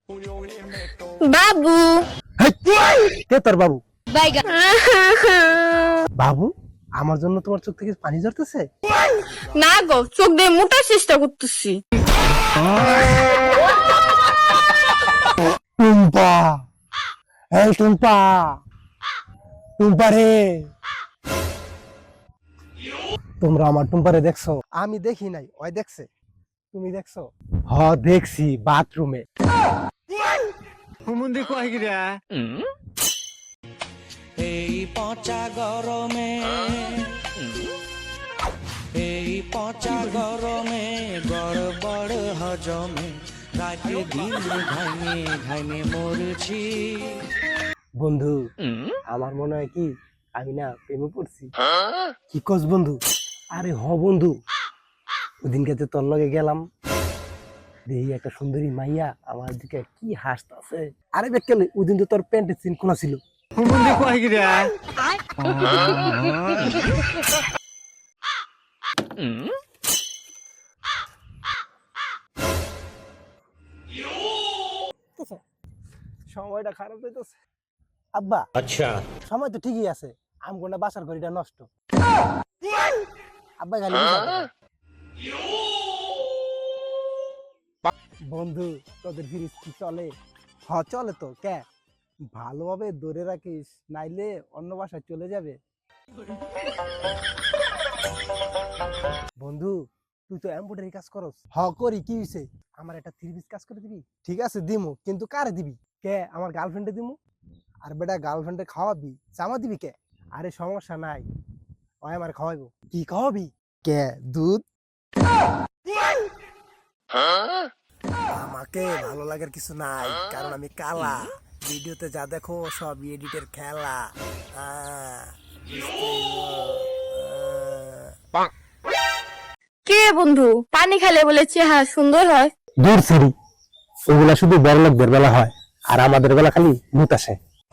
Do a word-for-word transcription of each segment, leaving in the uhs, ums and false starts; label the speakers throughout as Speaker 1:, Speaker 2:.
Speaker 1: বাবু
Speaker 2: কে তোর বাবু?
Speaker 1: বাইগা
Speaker 2: বাবু, আমার জন্য তোমার চোখ থেকে পানি ঝরতেছে?
Speaker 1: না গো, চোখ দিয়ে মোটার চেষ্টা করতেছি।
Speaker 2: টুম্পা, এই টুম্পা, টুম্পা রে, তোমরা আমার টুম্পারে দেখছো? আমি দেখি নাই, ওই দেখছে। তুমি দেখছো? হ দেখছি, বাথরুমে।
Speaker 3: হুমুন্দি কয় গিরা
Speaker 4: এই পচা গরমে এই পচা গরমে গড়বড় হজমে রাতে দিন ঘাইমে ঘাইমে মরছি।
Speaker 2: বন্ধু, আমার মনে হয় কি আমি না প্রেমে পড়ছি। কি কস বন্ধু? আরে হ বন্ধু, ওদিনকে যে তোর লগে গেলাম, দেখি একটা সুন্দরী মাইয়া আমার দিকে কি হাসতাছে। আরে বেকেলে, ওদিন তো তোর প্যান্টের চিন খোলা ছিল।
Speaker 3: হুমুন্দি কয় গিরা
Speaker 2: সময়টা খারাপ হইতেছে। আব্বা,
Speaker 3: আচ্ছা
Speaker 2: সময় তো ঠিকই আছে, আমগোনা বাসার ঘড়িটা নষ্ট। আব্বা খালি বুঝাতে পারে। বন্ধু, তোদের ফ্রিজ কি চলে? হ চলে তো। কে? ভালোভাবে ধরে রাখিস, নাইলে অন্য বাসায় চলে যাবে। বন্ধু, তুই তো এমব্রয়ডারি কাজ করস। হ করি, কি হইছে? আমার একটা থ্রি পিস কাজ করে দিবি? ঠিক আছে দিমু, কিন্তু কারে দিবি? কে? আমার গার্লফ্রেন্ডে দিমু। আর বেটা গার্লফ্রেন্ডে খাওয়াবি, জামা দিবি কে? আরে সমস্যা নাই, ওই আমার খাওয়াইবো। কি খাওয়াবি? কে? দুধ? আমাকে ভালো লাগার কিছু নাই, কারণ আমি কালা। ভিডিওতে যা দেখো সব এডিটের খেলা। আহ, বুঝতে হইবো। আহ।
Speaker 1: কে বন্ধু, পানি খেলে বলে চেহারা সুন্দর হয়?
Speaker 2: দূর সিরি, ওগুলা শুধু বড় লোকদের বেলা হয়, আর আমাদের বেলা খালি ভূত আসে।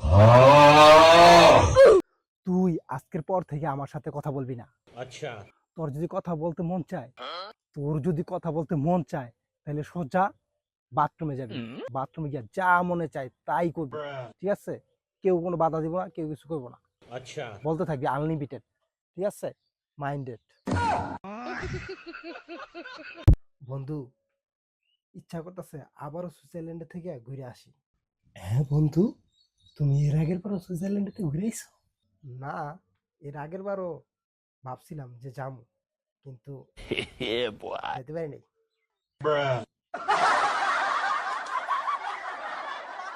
Speaker 2: তুই আজকের পর থেকে আমার সাথে কথা বলবি না।
Speaker 3: আচ্ছা
Speaker 2: তোর যদি কথা বলতে মন চায়, তোর যদি কথা বলতে মন চায়, তাহলে সোজা বাথরুমে যাবি। বাথরুমে গিয়ে যা মনে চায় তাই করবি, ঠিক আছে? কেউ কোনো বাধা দিব না, কেউ কিছু করবো না।
Speaker 3: আচ্ছা
Speaker 2: বলতে থাকবি আনলিমিটেড, ঠিক আছে? মাইন্ডেড। বন্ধু, ইচ্ছা করতেছে আবারও সুইজারল্যান্ডে থেকে ঘুরে আসি। হ্যাঁ বন্ধু, তুমি এর আগের বারও সুইজারল্যান্ডে থেকে ঘুরে আইছো? না, এর আগের বারও ভাবছিলাম যে যাবো, কিন্তু যেতে পারি নাই।